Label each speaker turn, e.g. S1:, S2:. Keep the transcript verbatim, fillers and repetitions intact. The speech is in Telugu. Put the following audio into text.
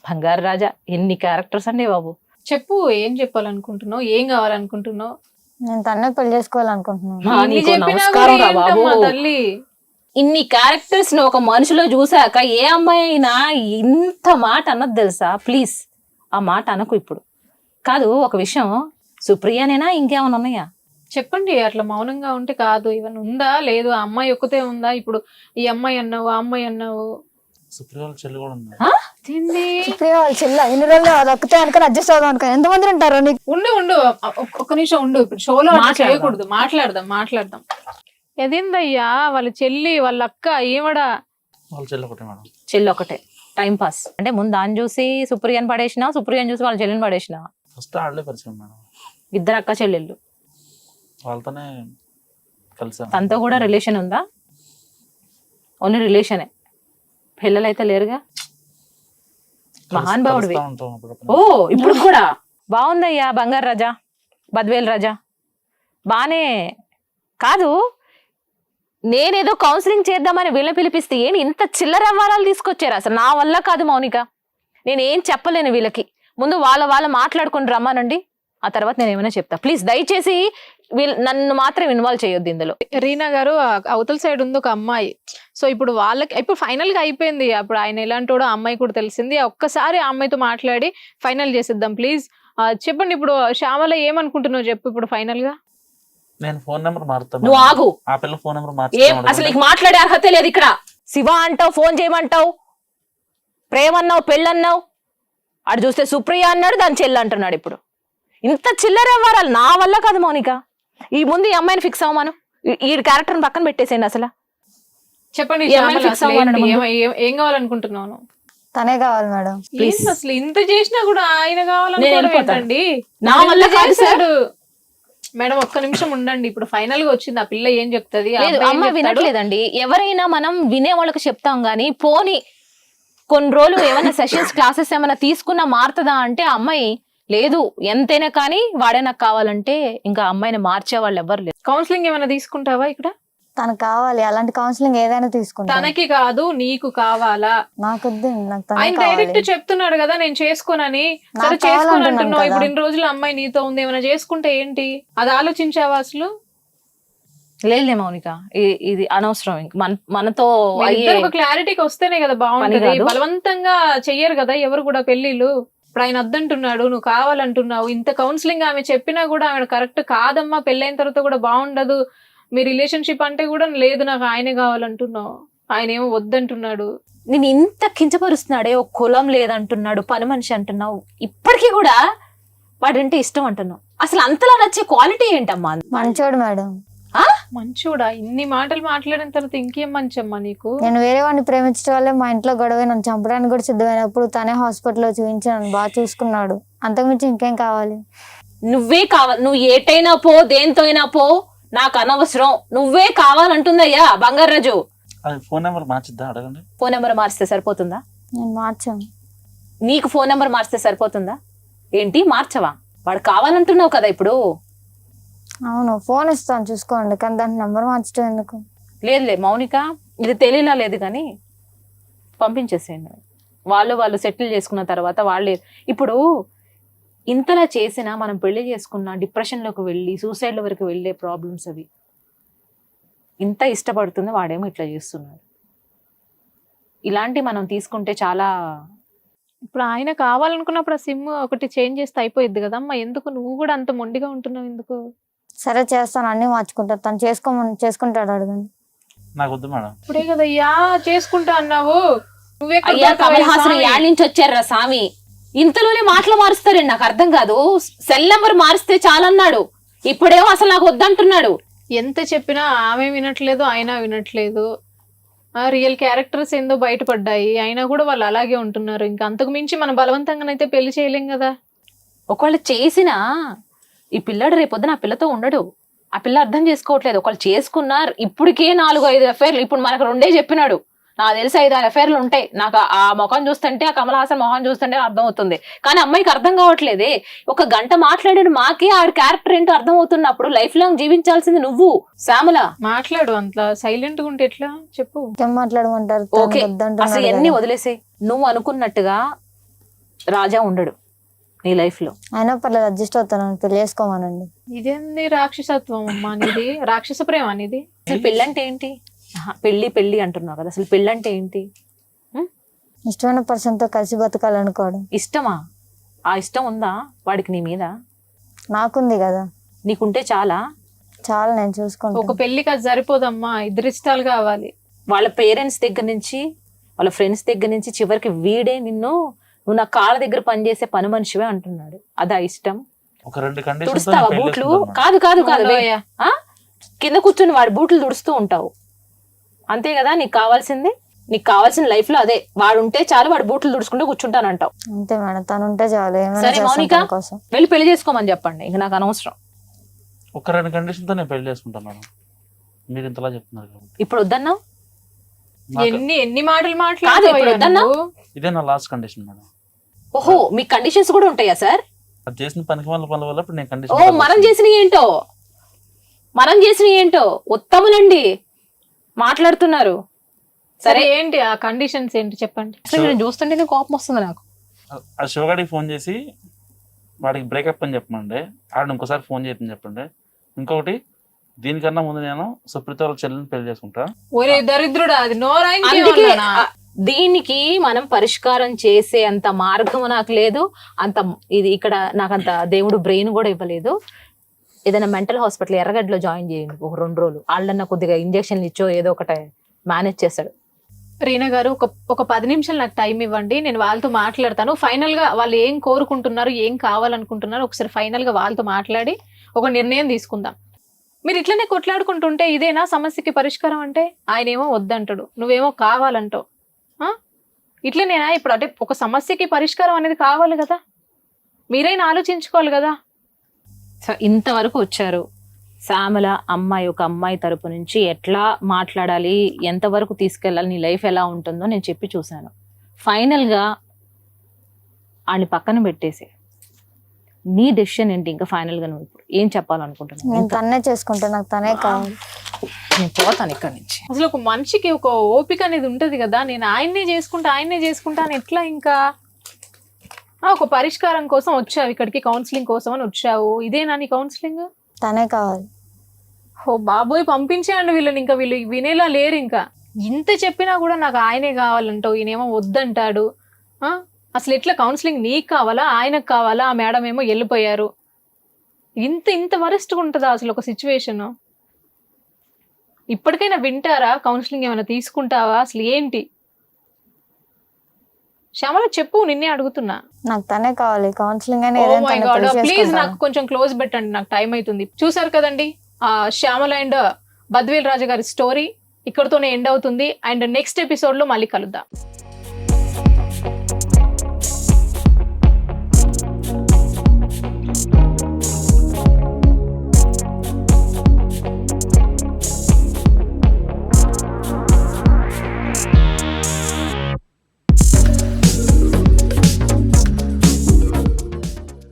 S1: బంగారు రాజా ఎన్ని క్యారెక్టర్స్ అండి బాబు.
S2: చెప్పు, ఏం చెప్పాలనుకుంటున్నావు, ఏం కావాలనుకుంటున్నావు?
S3: నేను తన్నే పెళ్లి చేసుకోవాలనుకుంటున్నాను.
S1: ఆ,
S2: ఇన్ని
S1: నీకు
S2: చెప్పినా
S1: నమస్కారం
S2: కూడా
S1: రా బాబు.
S2: ఏంటమ్మా తల్లి?
S1: ఇన్ని క్యారెక్టర్స్ ని ఒక మనిషిలో చూసాక ఏ అమ్మాయి అయినా ఇంత మాట అన్నది తెలుసా? ప్లీజ్ ఆ మాట అనకు ఇప్పుడు. కాదు, ఒక విషయం, సుప్రియనేనా ఇంకేమైనా ఉన్నాయా?
S2: చెప్పండి. అట్లా మౌనంగా ఉంటే కాదు. ఇవన్నీ ఉందా లేదు, ఆ అమ్మాయి ఒక్కతే ఉందా? ఇప్పుడు ఈ అమ్మాయి అన్నావు, ఆ అమ్మాయి అన్నావు,
S4: సుప్రియ వాళ్ళ చెల్లి కూడా ఉంది.
S2: ఏంది?
S3: సుప్రియ వాళ్ళ చెల్ల ఇన్ని రోజులు అది ఒక్కతే అనుకుని అడ్జస్ట్ అవుదాం అనుకుని ఎంతమంది ఉంటారు నీకు?
S2: ఉండు ఉండు ఒక్క- ఒక్క నిమిషం ఉండు. ఇప్పుడు షోలో అట్లా
S1: మాట్లాడదాం.
S2: చేయకూడదు. మాట్లాడదాం మాట్లాడదాం. ఎదేందయ్యా, వాళ్ళ చెల్లి వాళ్ళ అక్క ఏమడా?
S4: వాళ్ళ చెల్లి ఒకటే మేడం.
S1: చెల్లి ఒకటే టైం పాస్ అంటే ముందు దాన్ని చూసి సుప్రియని పడేసినా, సుప్రియని చూసి వాళ్ళ చెల్లిని పడేసినా?
S4: ఫస్ట్ ఆడలే పరిచయం మేడం.
S1: ఇద్దరు అక్క చెల్లెళ్ళు.
S4: వాళ్ళతోనే కలిసాం.
S1: తనతో కూడా రిలేషన్ ఉందా? ఓన్లీ రిలేషనే, పిల్లలైతే లేరుగా. మహాన్ భావుడివి.
S4: కలుస్తా ఉంటాం అప్పుడప్పుడు.
S1: ఓ ఇప్పుడు కూడా బాగుందయ్యా బంగారు రాజా, బద్వేల్ రాజా, బానే. కాదు, నేనేదో కౌన్సిలింగ్ చేద్దామని వీళ్ళని పిలిపిస్తే ఏంటి ఇంత చిల్లర వ్యవహారాలు తీసుకొచ్చారు? అసలు నా వల్ల కాదు మౌనిక, నేనేం చెప్పలేను వీళ్ళకి. ముందు వాళ్ళ వాళ్ళ మాట్లాడుకుని రమ్మానండి, ఆ తర్వాత నేను ఏమైనా చెప్తా. ప్లీజ్ దయచేసి వీళ్ళు నన్ను మాత్రం ఇన్వాల్వ్ చేయొద్దు ఇందులో.
S2: రీనా గారు, ఆ అవతల సైడ్ ఉంది ఒక అమ్మాయి. సో ఇప్పుడు వాళ్ళకి ఇప్పుడు ఫైనల్ గా అయిపోయింది. అప్పుడు ఆయన ఎలాంటోడో ఆ అమ్మాయి కూడా తెలిసింది. ఒక్కసారి ఆ అమ్మాయితో మాట్లాడి ఫైనల్ చేసేద్దాం ప్లీజ్. చెప్పండి, ఇప్పుడు శ్యామల ఏమనుకుంటున్నావు చెప్పు ఇప్పుడు ఫైనల్ గా.
S4: నేను ఫోన్ నెంబర్ మారుతాను.
S1: నువ్వు ఆగు.
S4: ఆ పిల్ల ఫోన్ నెంబర్
S1: ఏం అసలు నీకు మాట్లాడే అర్హత లేదు ఇక్కడ. శివ అంటావు, ఫోన్ చేయమంటావు, ప్రేమ అన్నావు, పెళ్ళన్నావు, అటు చూస్తే సుప్రియ అన్నాడు, దాని చెల్లి అంటున్నాడు. ఇప్పుడు ఇంత చిల్లర వ్యవహారాలు నా వల్ల కాదు మౌనిక. ఈ ముందు ఈ అమ్మాయిని ఫిక్స్ అవ్వమాను, ఈ క్యారెక్టర్ పక్కన పెట్టేసేయండి. అసలు
S2: చెప్పండి,
S1: ఈ అమ్మాయిని ఫిక్స్ అవ్వాలని ముందు.
S2: ఏమ- ఏం- ఏం కావాలనుకుంటున్నాను?
S3: తనే కావాలి మేడం.
S2: ఏంటి అసలు ఇంత చేసినా కూడా ఆయన
S1: నేను
S2: కావాలనుకోవడం
S1: వెళ్ళిపోతాను.
S2: ఏంటండి?
S1: నా వల్ల కాదు సార్.
S2: చేశాడు. మేడం ఒక్క నిమిషం ఉండండి. ఇప్పుడు ఫైనల్ గా వచ్చింది, ఆ పిల్ల ఏం చెప్తుంది, ఆ
S1: లేదు,
S2: అబ్బాయి ఏం
S1: అమ్మ
S2: చెప్తాడు?
S1: వినట్లేదండి. ఎవరైనా మనం వినే వాళ్ళకి చెప్తాం గానీ, పోని కొన్ని రోజులు ఏమైనా సెషన్స్ క్లాసెస్ ఏమైనా తీసుకున్నా మారుతుందా అంటే ఆ అమ్మాయి లేదు, ఎంతైనా కానీ వాడే నాకు కావాలంటే ఇంకా అమ్మాయిని మార్చే వాళ్ళు ఎవరు లేరు.
S2: కౌన్సిలింగ్ ఏమైనా తీసుకుంటావా ఇక్కడ?
S3: తనకు కావాలి, అలాంటి కౌన్సిలింగ్ ఏదైనా తీసుకుంటా.
S2: తనకి కాదు నీకు కావాలా?
S3: నాకు వద్దు, నాకు తనే
S2: ఆయన
S3: కావాలి.
S2: డైరెక్ట్ చెప్తున్నాడు కదా నేను చేసుకోనని.
S3: నాకు
S2: సరే చేసుకోను
S3: కావాలంటున్నాను
S2: అంటున్నావు.
S3: కదా.
S2: ఇప్పుడు ఇన్ని రోజులు అమ్మాయి నీతో ఉంది, ఏమైనా చేసుకుంటే ఏంటి? అది ఆలోచించావా అసలు?
S1: లేదులే మౌనిక, ఇ- ఇది అనవసరం. ఇంక మన మనతో
S2: మీ
S1: అయ్యే
S2: ఇద్దరు ఒక క్లారిటీకి వస్తేనే కదా బాగుంటది.
S1: కాదు.
S2: బలవంతంగా చెయ్యరు కదా ఎవరు కూడా పెళ్లిళ్ళు. ఇప్పుడు ఆయన వద్దంటున్నాడు, నువ్వు కావాలంటున్నావు. ఇంత కౌన్సిలింగ్ ఆమె చెప్పినా కూడా ఆమె కరెక్ట్ కాదమ్మా, పెళ్ళైన తర్వాత కూడా బాగుండదు మీ రిలేషన్షిప్ అంటే కూడా లేదు, నాకు ఆయనే కావాలంటున్నావు. ఆయన ఏమో వద్దంటున్నాడు.
S1: నేను ఇంత కించపరుస్తున్నాడే, ఒక కులం లేదంటున్నాడు, పని మనిషి అంటున్నావు, ఇప్పటికీ కూడా వాడంటే ఇష్టం అంటున్నావు. అసలు అంతలా నచ్చే క్వాలిటీ ఏంటమ్మా?
S3: మంచోడు మేడం.
S1: ఆ?
S2: మంచోడా? ఇన్ని మాటలు మాట్లాడిన తర్వాత ఇంకేం మంచమ్మా నీకు?
S3: నేను వేరే వాడిని ప్రేమించడం వల్లే మా ఇంట్లో గొడవ, నన్ను చంపడానికి కూడా సిద్ధమైనప్పుడు తనే హాస్పిటల్లో చూపించి నన్ను బాగా చూసుకున్నాడు. అంతకుమించి ఇంకేం కావాలి?
S1: నువ్వే కావాలి, నువ్వు ఏటైనా పో, దేంతో అయినా పో, నాకు అనవసరం, నువ్వే కావాలంటుందయ్యా బంగారాజు.
S4: అది ఫోన్ నెంబర్ మార్చిద్దా అడగండి.
S1: ఫోన్ నెంబర్ మార్చితే సరిపోతుందా?
S3: నేను మార్చాను.
S1: నీకు ఫోన్ నెంబర్ మార్చితే సరిపోతుందా ఏంటి? మార్చవా? వాడు కావాలంటున్నావు కదా ఇప్పుడు.
S3: అవును, ఫోన్ ఇస్తాను చూసుకోండి, కానీ దాని నెంబర్ మార్చడం ఎందుకు?
S1: లేదులే మౌనిక, ఇది తెలియలా లేదు కానీ పంపించేసేయండి. వాళ్ళు వాళ్ళు సెటిల్ చేసుకున్న తర్వాత వాళ్ళే. ఇప్పుడు ఇంతలా చేసినా మనం పెళ్లి చేసుకున్న డిప్రెషన్లోకి వెళ్ళి సూసైడ్ల వరకు వెళ్ళే ప్రాబ్లమ్స్ అవి. ఇంత ఇష్టపడుతుంది వాడేమో ఇట్లా చేస్తున్నాడు. ఇలాంటి మనం తీసుకుంటే చాలా.
S2: ఇప్పుడు ఆయన కావాలనుకున్నప్పుడు ఆ సిమ్ ఒకటి చేంజ్ చేస్తే అయిపోయింది కదమ్మా. ఎందుకు నువ్వు కూడా అంత మొండిగా ఉంటున్నావు ఎందుకు?
S3: సరే చేస్తాను, అన్ని మార్చుకుంటాను. తను చేసుకోమని చేసుకుంటాడు, అడగండి.
S4: నాకు వద్దు మేడం.
S2: ఇప్పుడే కదయ్యా చేసుకుంటా అన్నావు. నువ్వే
S1: అయ్యా కమల్ హాసన్ యాడ్ నుంచి వచ్చారా స్వామి, ఇంతలోనే మాటలు మారుస్తారండి. నాకు అర్థం కాదు. సెల్ నెంబర్ మారిస్తే చాలన్నాడు, ఇప్పుడేమో అసలు నాకు వద్దంటున్నాడు.
S2: ఎంత చెప్పినా ఆమె వినట్లేదు, ఆయన వినట్లేదు. ఆ రియల్ క్యారెక్టర్స్ ఏందో బయటపడ్డాయి, అయినా కూడా వాళ్ళు అలాగే ఉంటున్నారు. ఇంకా అంతకు మించి మనం బలవంతంగానైతే పెళ్లి చేయలేం కదా.
S1: ఒకవేళ చేసినా ఈ పిల్లడు రేపొద్దున ఆ పిల్లతో ఉండడు. ఆ పిల్ల అర్థం చేసుకోవట్లేదు. ఒకళ్ళు చేసుకున్నారు, ఇప్పటికే నాలుగు ఐదు అఫైర్లు. ఇప్పుడు మనకు రెండే చెప్పినాడు, నాకు తెలిసి ఐదు ఆరు అఫైర్లు ఉంటాయి. నాకు ఆ ముఖం చూస్తుంటే, ఆ కమల్ హాసన్ మొహం చూస్తుంటే అర్థం అవుతుంది. కానీ అమ్మాయికి అర్థం కావట్లేదే. ఒక గంట మాట్లాడాడు, మాకే ఆవిడ క్యారెక్టర్ ఏంటో అర్థం అవుతున్నప్పుడు లైఫ్ లాంగ్ జీవించాల్సింది నువ్వు శ్యామల.
S2: మాట్లాడు, అంతలా సైలెంట్ గా ఉంటే ఎట్లా చెప్పు.
S3: ఏం మాట్లాడమంటారు?
S1: ఓకే, అసలు ఎన్ని వదిలేసాయి. నువ్వు అనుకున్నట్టుగా రాజా ఉండడు నీ లైఫ్ లో.
S3: అయినా పర్లేదు అడ్జస్ట్ అవుతాను, పెళ్లి చేసుకోమానండి.
S2: ఇదేంది రాక్షసత్వం అమ్మా నీది, రాక్షస ప్రేమ నీది.
S1: అసలు పెళ్ళి అంటే ఏంటి? ఆహా, పెళ్లి పెళ్లి అంటున్నావు కదా, అసలు పెళ్ళి అంటే ఏంటి?
S3: ఇష్టమైన పర్సన్ తో కలిసి బతకాలనుకోవడం.
S1: ఇష్టమా? ఆ ఇష్టం ఉందా వాడికి నీ మీద?
S3: నాకుంది కదా,
S1: నీకుంటే చాలా.
S3: చాలా నేను
S2: ఒక
S3: చూసుకుంటాను.
S2: పెళ్లికి అది సరిపోదమ్మా, ఇద్దరు ఇష్టాలు కావాలి.
S1: వాళ్ళ పేరెంట్స్ దగ్గర నుంచి వాళ్ళ ఫ్రెండ్స్ దగ్గర నుంచి చివరికి వీడే నిన్ను నువ్వు నా కాళ్ళ దగ్గర పనిచేసే పని మనిషివే అంటున్నాడు. అదా ఇష్టం?
S4: ఒక రెండు కండిషన్స్
S1: తుడుస్తావా బూట్లు? కాదు కాదు కాదు wait.
S2: ఉండవయ్యా.
S1: ఆ? కింద కూర్చుని వాడి బూట్లు తుడుస్తూ ఉంటావు అంతే కదా నీకు కావాల్సింది? నీకు కావాల్సిన లైఫ్ లో అదే, వాడు ఉంటే చాలు, వాడు బూట్లు తుడుచుకుంటూ కూర్చుంటానంటావు.
S3: అంతే మేడం, తను ఉంటే చాలు, ఏమైనా
S1: సరే
S3: చేస్తాను
S1: మౌనిక,
S3: తన కోసం.
S1: వెళ్ళి పెళ్లి చేసుకోమని చెప్పండి, ఇంక నాకు అనవసరం.
S4: ఒక రెండు కండిషన్ తో నేను పెళ్లి చేసుకుంటాను మేడం, మీరు ఇంతలా చెప్తున్నారు కాబట్టి.
S1: ఇప్పుడు వద్దన్నా?
S4: నాకు
S2: ఎన్ని ఎన్ని మాటలు
S1: కాదు, ఇప్పుడు
S2: మాట్లాడుతావయ్యా
S1: వద్దన్నా?
S2: నువ్వు?
S4: ఇదే నా లాస్ట్ కండిషన్ మేడం.
S1: ఓహో, మీ కండిషన్స్ కూడా ఉంటాయా సార్?
S4: అది చేసిన పనికి వాళ్ళ పనుల వల్ల ఇప్పుడు నేను
S1: ఓ,
S4: కండిషన్
S1: మనం చేసిన ఏంటో మనం చేసిన ఏంటో ఉత్తములండి మాట్లాడుతున్నారు.
S2: సరే
S1: సరే,
S2: ఏంటి ఆ కండిషన్స్ ఏంటి చెప్పండి.
S1: అసలు నేను చూస్తుంటేనే కోపం వస్తుంది నాకు.
S4: ఆ శివగాడికి ఫోన్ చేసి వాడికి బ్రేకప్ అని చెప్పమండి, ఆడ ఇంకోసారి ఫోన్ చేయని చెప్పండి. ఇంకొకటి, దీనికన్నా ముందు నేను సుప్రీత వాళ్ళ చెల్లెని పెళ్లి చేసుకుంటా.
S2: ఒరే దరిద్రుడా, అది నోరాయిన్
S1: అందుకే ఆ, దీనికి మనం పరిష్కారం చేసే అంత మార్గం నాకు లేదు. అంత ఇది ఇక్కడ నాకు అంత దేవుడు బ్రెయిన్ కూడా ఇవ్వలేదు. ఏదైనా మెంటల్ హాస్పిటల్ ఎర్రగడ్డలో జాయిన్ చేయండి ఒక రెండు రోజులు, వాళ్ళన్న కొద్దిగా ఇంజక్షన్లు ఇచ్చో ఏదో ఒకటి మేనేజ్ చేస్తాడు.
S2: రీనా గారు ఒక ఒక పది నిమిషాలు నాకు టైం ఇవ్వండి, నేను వాళ్ళతో మాట్లాడతాను. ఫైనల్ గా వాళ్ళు ఏం కోరుకుంటున్నారు, ఏం కావాలనుకుంటున్నారు, ఒకసారి ఫైనల్ గా వాళ్ళతో మాట్లాడి ఒక నిర్ణయం తీసుకుందాం. మీరు ఇట్లనే కొట్లాడుకుంటుంటే ఇదేనా సమస్యకి పరిష్కారం? అంటే ఆయన ఏమో వద్దంటాడు, నువ్వేమో కావాలంటావు. ఆ? ఇట్లనేనా ఇప్పుడు? అంటే ఒక సమస్యకి పరిష్కారం అనేది కావాలి కదా, మీరైనా ఆలోచించుకోవాలి కదా.
S1: సో ఇంతవరకు వచ్చారు. శ్యామల అమ్మాయి ఒక అమ్మాయి తరపు నుంచి ఎట్లా మాట్లాడాలి, ఎంతవరకు తీసుకెళ్ళాలి, నీ లైఫ్ ఎలా ఉంటుందో నేను చెప్పి చూశాను. ఫైనల్గా ఆని పక్కన పెట్టేసి నీ డెసిషన్ ఏంటి? ఇంకా ఫైనల్గా నువ్వు ఇప్పుడు ఏం చెప్పాలనుకుంటున్నావు?
S3: నేను
S1: ఇంకా
S3: తన్నే చేసుకుంటా, నాకు తనే కావాలి.
S1: నేను పోతాను ఇక్కడి నుంచి.
S2: అసలు ఒక మనిషికి ఒక ఓపిక అనేది ఉంటది కదా, నేను ఆయన్నే చేసుకుంటా ఆయన్నే చేసుకుంటా అని ఎట్లా? ఇంకా ఆ, ఒక పరిష్కారం కోసం వచ్చావు ఇక్కడికి, కౌన్సిలింగ్ కోసం అని వచ్చావు. ఇదేనా నీ కౌన్సిలింగ్?
S3: తనే కావాలి.
S2: ఓ బాబోయ్, పంపించేయండి వీళ్ళని, ఇంకా వీళ్ళు వినేలా లేరు. ఇంకా ఇంత చెప్పినా కూడా నాకు ఆయనే కావాలంటావు, ఈయనేమో వద్దంటాడు. ఆ, అసలు ఎట్లా కౌన్సిలింగ్? నీకు కావాలా, ఆయనకు కావాలా? ఆ మేడం ఏమో వెళ్ళిపోయారు. ఇంత ఇంత వరస్ట్గా ఉంటుందా అసలు ఒక సిచ్యువేషన్? ఇప్పటికైనా వింటారా? కౌన్సిలింగ్ ఏమైనా తీసుకుంటావా? అసలు ఏంటి? శ్యామల చెప్పు, నిన్నే అడుగుతున్నా.
S3: నాకు తనే కావాలి, కౌన్సిలింగ్ అని
S2: ఓ
S3: ఏదైనా
S2: మై
S3: తనే
S2: గాడ్,
S3: పెళ్లి
S2: ప్లీజ్
S3: చేసుకుంటాను.
S2: నాకు కొంచెం క్లోజ్ పెట్టండి, నాకు టైం అవుతుంది. చూసారు కదండి ఆ శ్యామల అండ్ బద్వేల్ రాజా గారి స్టోరీ ఇక్కడతోనే ఎండ్ అవుతుంది. అండ్ నెక్స్ట్ ఎపిసోడ్ లో మళ్ళీ కలుద్దాం.